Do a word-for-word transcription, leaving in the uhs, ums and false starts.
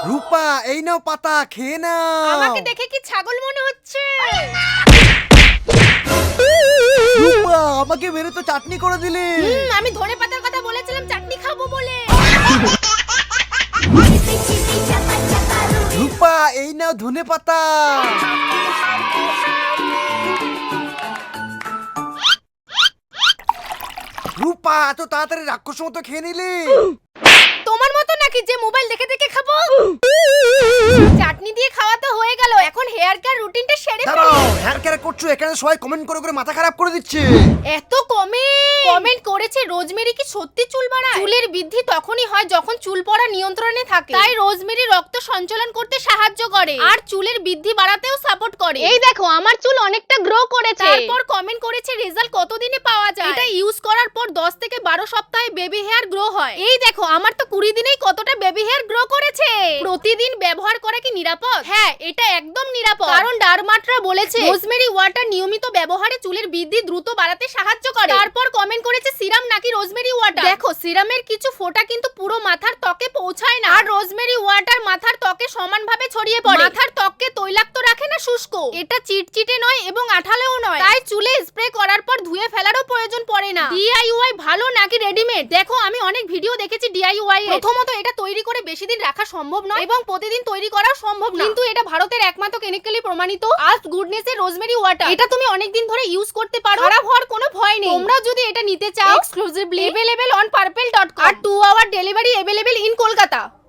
রূপা এই নাও পাতা খেয়ে নাও। আমাকে দেখে কি ছাগল মনে হচ্ছে? রূপা আমাকে মেরে তো চাটনি করে দিলে। হুম, আমি ধনে পাতার কথা বলেছিলাম চাটনি খাবো বলে। রূপা এই নাও ধনে পাতা। রূপা এত তাড়াতাড়ি রাক্ষস মতো খেয়ে নিলি? তোমার মতো নাকি যে মোবাইল দেখে দেখে খাবো? চাটনি দিয়ে খাওয়া তো হয়ে গেল, এখন হেয়ার কেয়ার রুটিনটা সেরে ফেলি। দাঁড়াও, হেয়ার কেয়ার করছো এখানে সবাই কমেন্ট করে করে মাথা খারাপ করে দিচ্ছে। এত কমেন্ট কমেন্ট করেছে রোজমেরি কি সত্যি চুল বাড়ায়? চুলের বৃদ্ধি তখনই হয় যখন চুল পড়া নিয়ন্ত্রণে থাকে, তাই রোজমেরি রক্ত সঞ্চালন করতে সাহায্য করে আর চুলের বৃদ্ধি বাড়াতেও সাপোর্ট করে। এই দেখো আমার চুল অনেকটা গ্রো করেছে। তারপর কমেন্ট করেছে রেজাল্ট কতদিনে পাওয়া যায়? এটা ইউজ করার পর দশ থেকে বারো সপ্তাহে বেবি হেয়ার গ্রো হয়। এই দেখো আমার তো কুড়ি দিনেই কতটা বেবি হেয়ার গ্রো করেছে। প্রতিদিন ব্যবহার করা কি নিরাপদ? হ্যাঁ, এটা একদম নিরাপদ, কারণ ডারমাটরা বলেছে রোজমেরি ওয়াটার নিয়মিত ব্যবহারে চুলের বৃদ্ধি দ্রুত বাড়াতে সাহায্য করে। তারপর কমেন্ট করেছে সিরাম নাকি রোজমেরি ওয়াটার? দেখো সিরামের কিছু ফোঁটা কিন্তু পুরো মাথার ত্বকে পৌঁছায় না, আর রোজমেরি ওয়াটার মাথার ত্বকে সমানভাবে ছড়িয়ে পড়ে। মাথার ত্বককে তৈলাক্ত রাখে না শুষ্ক। এটা চিটচিটে নয় এবং আঠালোও নয়, তাই চুলে স্প্রে করার পর ধুয়ে ফেলারও প্রয়োজন পড়ে না। ডিআইওয়াই ভালো নাকি রেডিমেড? দেখো আমি অনেক ভিডিও দেখেছি ডিআইওয়াই এর। প্রথমত এটা তৈরি করে বেশি দিন রাখা সম্ভব নয় এবং প্রতিদিন তৈরি করা সম্ভব না, কিন্তু এটা ভারতের একমাত্র কেমিক্যালি প্রমাণিত আজ গুডনেস এর রোজমেরি ওয়াটার। এটা তুমি অনেক দিন ধরে ইউজ করতে পারো, খারাপ হওয়ার কোনো ভয় নেই। তোমরা যদি এটা নিতে চাও exclusively available on purple dot com আর two hour delivery available in Kolkata.